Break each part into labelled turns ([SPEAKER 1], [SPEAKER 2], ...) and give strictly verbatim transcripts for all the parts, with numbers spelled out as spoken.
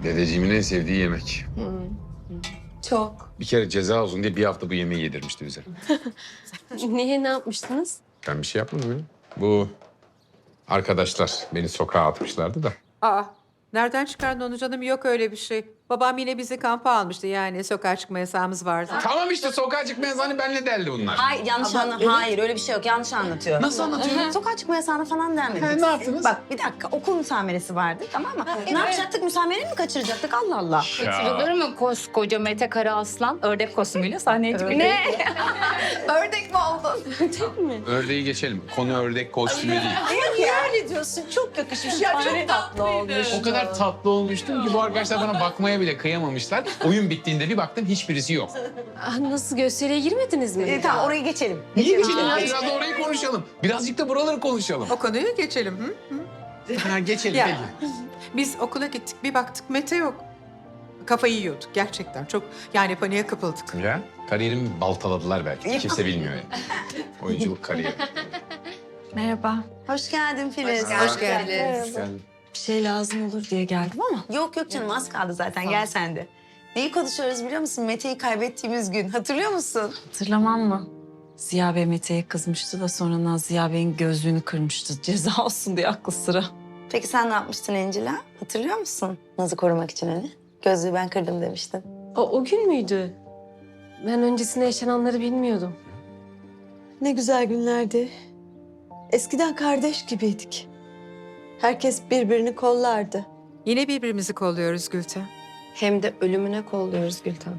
[SPEAKER 1] Dedeciğimin en sevdiği yemek.
[SPEAKER 2] Çok.
[SPEAKER 1] Bir kere ceza olsun diye bir hafta bu yemeği yedirmişti bize.
[SPEAKER 2] Niye, ne yapmıştınız?
[SPEAKER 1] Ben bir şey yapmadım ya. Bu arkadaşlar beni sokağa atmışlardı da.
[SPEAKER 3] Aa, nereden çıkardın onu canım? Yok öyle bir şey. Babam yine bizi kampa almıştı, yani sokağa çıkma yasağımız vardı.
[SPEAKER 1] Tamam işte sokağa çıkma yasağını benle deldi bunlar.
[SPEAKER 4] Hayır yanlış anla. Hayır öyle bir şey yok. Yanlış anlatıyor.
[SPEAKER 1] Nasıl anlatıyor?
[SPEAKER 4] Sokağa çıkma yasağına falan denmedi.
[SPEAKER 1] He, ne yaptınız?
[SPEAKER 4] Bak bir dakika okul müsameresi vardı tamam mı? Ne yapacaktık? Müsamereyi mi kaçıracaktık? Allah Allah.
[SPEAKER 5] Kaçırılır mı koskoca Mete Karaaslan ördek kostümüyle sahneye çıkıyor?
[SPEAKER 2] Ne?
[SPEAKER 4] Ördek mi oldun?
[SPEAKER 1] Ördeği geçelim. Konu ördek kostümü değil.
[SPEAKER 4] Niye öyle diyorsun? Çok yakışmış. Ya çok tatlı olmuş.
[SPEAKER 1] O kadar tatlı olmuştum ki bu arkadaşlar bana bakmaya bile kıyamamışlar. Oyun bittiğinde bir baktım hiçbirisi yok.
[SPEAKER 2] Ah, nasıl, gösteriye girmediniz mi?
[SPEAKER 4] E, tamam orayı geçelim.
[SPEAKER 1] Niye geçelim ya? Biraz da orayı konuşalım. Birazcık da buraları konuşalım.
[SPEAKER 3] O konuyu geçelim. Hı?
[SPEAKER 1] Ha, geçelim
[SPEAKER 3] Ya.
[SPEAKER 1] peki.
[SPEAKER 3] Biz okula gittik, bir baktık Mete yok. Kafayı yiyorduk gerçekten. Çok yani paniğe kapıldık.
[SPEAKER 1] Ya kariyerimi baltaladılar belki. Kimse bilmiyor yani. Oyunculuk kariyeri.
[SPEAKER 5] Merhaba.
[SPEAKER 4] Hoş geldin Filiz.
[SPEAKER 3] Hoş geldiniz.
[SPEAKER 1] Yani
[SPEAKER 5] Bir şey lazım olur diye geldim ama.
[SPEAKER 4] Yok yok canım az kaldı zaten. Gel sen de. Neyi konuşuyoruz biliyor musun? Mete'yi kaybettiğimiz gün. Hatırlıyor musun?
[SPEAKER 5] Hatırlamam mı? Ziya Bey Mete'ye kızmıştı da sonra Naz Ziya Bey'in gözlüğünü kırmıştı. Ceza olsun diye aklı sıra.
[SPEAKER 4] Peki sen ne yapmıştın Encila? Hatırlıyor musun? Naz'ı korumak için hani. Gözlüğü ben kırdım demiştin.
[SPEAKER 2] O, o gün müydü? Ben öncesinde yaşananları bilmiyordum.
[SPEAKER 6] Ne güzel günlerdi. Eskiden kardeş gibiydik. Herkes birbirini kollardı.
[SPEAKER 3] Yine birbirimizi kolluyoruz Gülten.
[SPEAKER 2] Hem de ölümüne kolluyoruz Gülten.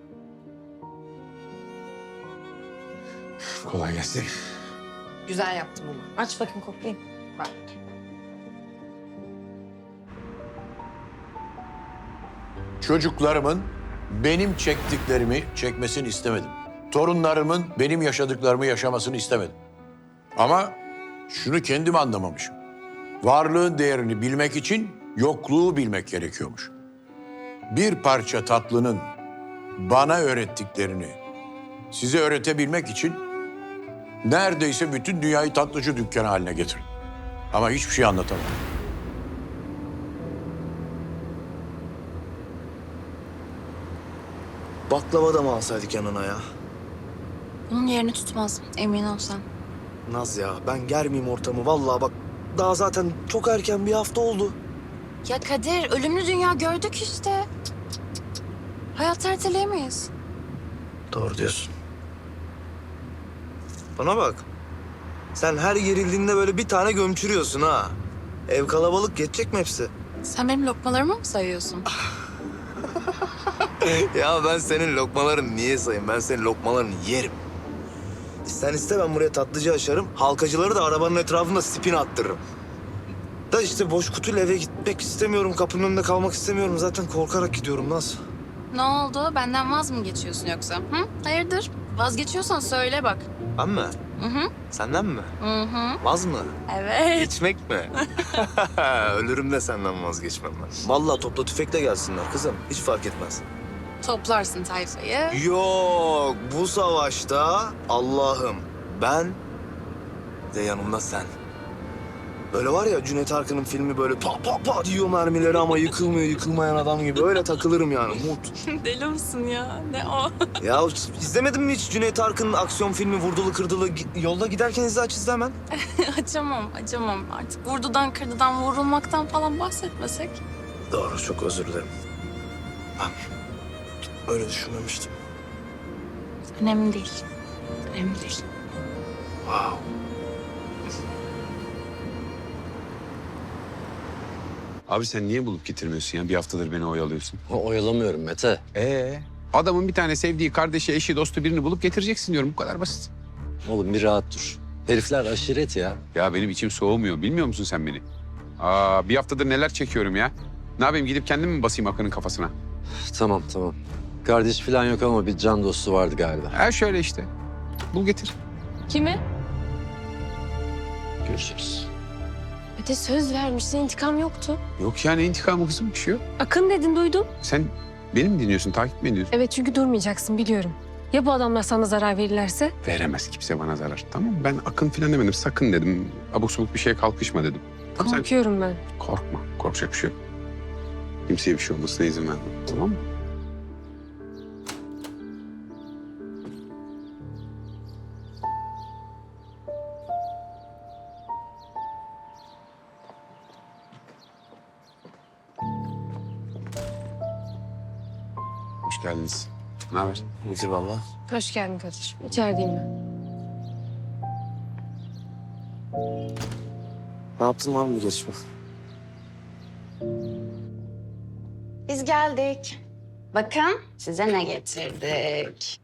[SPEAKER 1] kolay gelsin.
[SPEAKER 2] Güzel yaptım ama.
[SPEAKER 4] Aç bakayım koklayayım.
[SPEAKER 3] Bak.
[SPEAKER 7] Çocuklarımın benim çektiklerimi çekmesini istemedim. Torunlarımın benim yaşadıklarımı yaşamasını istemedim. Ama şunu kendim anlamamışım. Varlığın değerini bilmek için yokluğu bilmek gerekiyormuş. Bir parça tatlının bana öğrettiklerini size öğretebilmek için neredeyse bütün dünyayı tatlıcı dükkanı haline getirdim. Ama hiçbir şey anlatamadım.
[SPEAKER 8] Baklava da mı alsaydık yanına ya?
[SPEAKER 5] Bunun yerini tutmaz emin ol sen.
[SPEAKER 8] Naz ya ben germeyeyim ortamı vallahi bak. Daha zaten çok erken bir hafta oldu.
[SPEAKER 5] Ya Kadir ölümlü dünya gördük işte. Hayatı erteleyemeyiz.
[SPEAKER 8] Doğru diyorsun. Bana bak. Sen her gerildiğinde böyle bir tane gömçürüyorsun ha. Ev kalabalık geçecek mi hepsi?
[SPEAKER 5] Sen benim lokmalarımı mı sayıyorsun?
[SPEAKER 8] Ya ben senin lokmalarını niye sayayım? Ben senin lokmalarını yerim. Sen iste ben buraya tatlıcı açarım. Halkacıları da arabanın etrafında spin attırırım. Da işte boş kutuyla eve gitmek istemiyorum. Kapının önünde kalmak istemiyorum. Zaten korkarak gidiyorum Naz.
[SPEAKER 5] Ne oldu? Benden vaz mı geçiyorsun yoksa? Hı? Hayırdır? Vazgeçiyorsan söyle bak.
[SPEAKER 8] Ben mi?
[SPEAKER 5] Hı hı.
[SPEAKER 8] Senden mi?
[SPEAKER 5] Hı hı.
[SPEAKER 8] Vaz mı?
[SPEAKER 5] Evet.
[SPEAKER 8] Geçmek mi? Ölürüm de senden vazgeçmem ben. Vallahi topla tüfekle gelsinler kızım. Hiç fark etmez.
[SPEAKER 5] Toplarsın tayfayı.
[SPEAKER 8] Yok bu savaşta Allah'ım ben de yanımda sen. Böyle var ya Cüneyt Arkın'ın filmi böyle pa pa pa diyor mermileri ama yıkılmıyor yıkılmayan adam gibi. Öyle takılırım yani Umut.
[SPEAKER 5] Deli misin ya? Ne o?
[SPEAKER 8] Ya izlemedin mi hiç Cüneyt Arkın'ın aksiyon filmi Vurdulu Kırdılı? Gi- Yolda giderken izle aç izle hemen.
[SPEAKER 5] Açamam, açamam. Artık vurdudan kırdıdan vurulmaktan falan bahsetmesek.
[SPEAKER 8] Doğru çok özür dilerim. Ben öyle düşünmemiştim.
[SPEAKER 5] Önemli değil. Önemli değil.
[SPEAKER 8] Wow.
[SPEAKER 1] Abi sen niye bulup getirmiyorsun ya? Bir haftadır beni oyalıyorsun.
[SPEAKER 9] Oyalamıyorum Mete.
[SPEAKER 1] Ee, adamın bir tane sevdiği kardeşi, eşi, dostu birini bulup getireceksin diyorum. Bu kadar basit.
[SPEAKER 9] Oğlum bir rahat dur. Herifler aşiret ya.
[SPEAKER 1] Ya benim içim soğumuyor. Bilmiyor musun sen beni? Aa, bir haftadır neler çekiyorum ya. Ne yapayım, gidip kendim mi basayım Akın'ın kafasına?
[SPEAKER 9] Tamam tamam. Kardeş falan yok ama bir can dostu vardı galiba.
[SPEAKER 1] Ha şöyle işte. Bul getir.
[SPEAKER 2] Kimi?
[SPEAKER 9] Görüşürüz.
[SPEAKER 2] Mete söz vermişsin, intikam yoktu.
[SPEAKER 1] Yok ya, ne intikamı kızım, bir şey yok.
[SPEAKER 2] Akın dedin, duydum.
[SPEAKER 1] Sen beni mi dinliyorsun, takip mi ediyorsun?
[SPEAKER 2] Evet, çünkü durmayacaksın biliyorum. Ya bu adamlar sana zarar verirlerse?
[SPEAKER 1] Veremez kimse bana zarar. Tamam mı? Ben Akın falan demedim. Sakın dedim. Abuk subuk bir şeye kalkışma dedim. Tamam, sen
[SPEAKER 2] Korkuyorum ben.
[SPEAKER 1] korkma. Korkacak bir şey yok. Kimseye bir şey olmasına izin vermem. Tamam mı? Hoş geldiniz. Ne haber?
[SPEAKER 8] İyidir valla.
[SPEAKER 2] Hoş geldin Kadir. İçerideyim ben.
[SPEAKER 8] Ne yaptın lan bu geçme?
[SPEAKER 4] Biz geldik. Bakın size ne getirdik.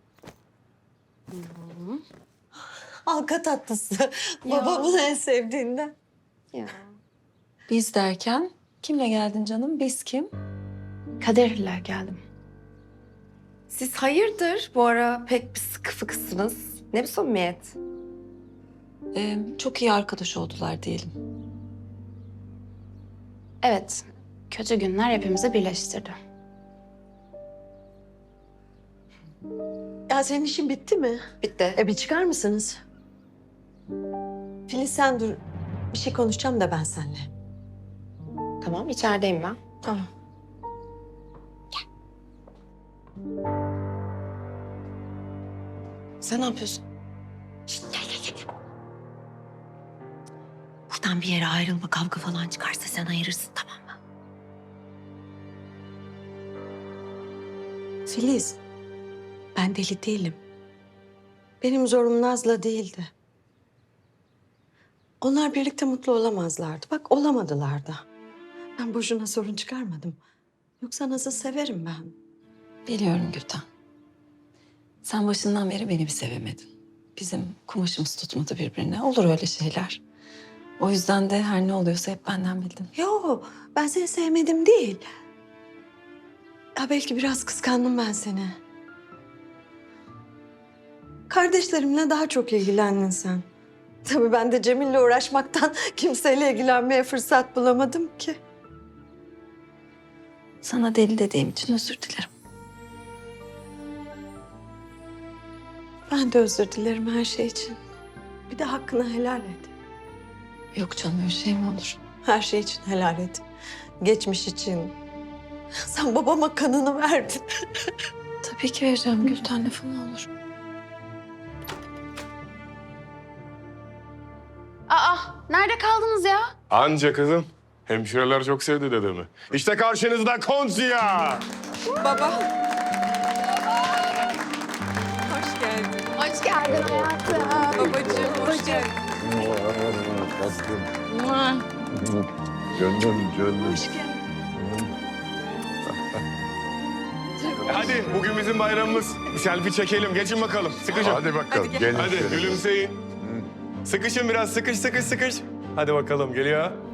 [SPEAKER 6] Halka tatlısı. Babamın en sevdiğinden.
[SPEAKER 5] Biz derken kimle geldin canım? Biz kim?
[SPEAKER 4] Kaderle geldim.
[SPEAKER 2] Siz hayırdır? Bu ara pek bir sıkı fıkısınız. Ne bir samimiyet?
[SPEAKER 5] Ee, çok iyi arkadaş oldular diyelim.
[SPEAKER 4] Evet, kötü günler hepimizi birleştirdi.
[SPEAKER 6] Ya senin işin bitti mi?
[SPEAKER 2] Bitti.
[SPEAKER 6] E bir çıkar mısınız? Filiz sen dur. Bir şey konuşacağım da ben seninle.
[SPEAKER 2] Tamam, içerideyim ben.
[SPEAKER 6] Tamam.
[SPEAKER 2] Sen ne yapıyorsun?
[SPEAKER 6] Buradan bir yere ayrılma, kavga falan çıkarsa sen ayırırsın, tamam mı? Filiz, ben deli değilim. Benim zorum Naz'la değildi. Onlar birlikte mutlu olamazlardı. Bak olamadılar da. Ben boşuna sorun çıkarmadım. Yoksa Naz'ı severim ben.
[SPEAKER 5] Biliyorum Gülten. Sen başından beri beni bir sevemedin. Bizim kumaşımız tutmadı birbirine. Olur öyle şeyler. O yüzden de her ne oluyorsa hep benden bildin.
[SPEAKER 6] Yo, ben seni sevmedim değil. Ya belki biraz kıskandım ben seni. Kardeşlerimle daha çok ilgilendin sen. Tabii ben de Cemil'le uğraşmaktan kimseyle ilgilenmeye fırsat bulamadım ki.
[SPEAKER 5] Sana deli dediğim için özür dilerim.
[SPEAKER 6] Ben de özür dilerim her şey için. Bir de hakkını helal et.
[SPEAKER 5] Yok canım öyle şey mi olur?
[SPEAKER 6] Her şey için helal et. Geçmiş için. Sen babama kanını verdin.
[SPEAKER 5] Tabii ki vereceğim Gülten, lafı ne olur.
[SPEAKER 4] Aa, nerede kaldınız ya?
[SPEAKER 10] Anca kızım. Hemşireler çok sevdi dedemi. İşte karşınızda Konziya.
[SPEAKER 3] Baba. Hoş geldin.
[SPEAKER 4] Hoş geldin hayatım.
[SPEAKER 3] Babacığım, hoş geldin.
[SPEAKER 7] Canım canım.
[SPEAKER 10] Hadi bugün bizim bayramımız. Bir selfie çekelim. Geçin bakalım. Sıkışın.
[SPEAKER 7] Hadi bakalım.
[SPEAKER 3] Hadi
[SPEAKER 7] gelin.
[SPEAKER 10] Hadi gülümseyin. Sıkışın biraz. Sıkış sıkış sıkış. Hadi bakalım geliyor.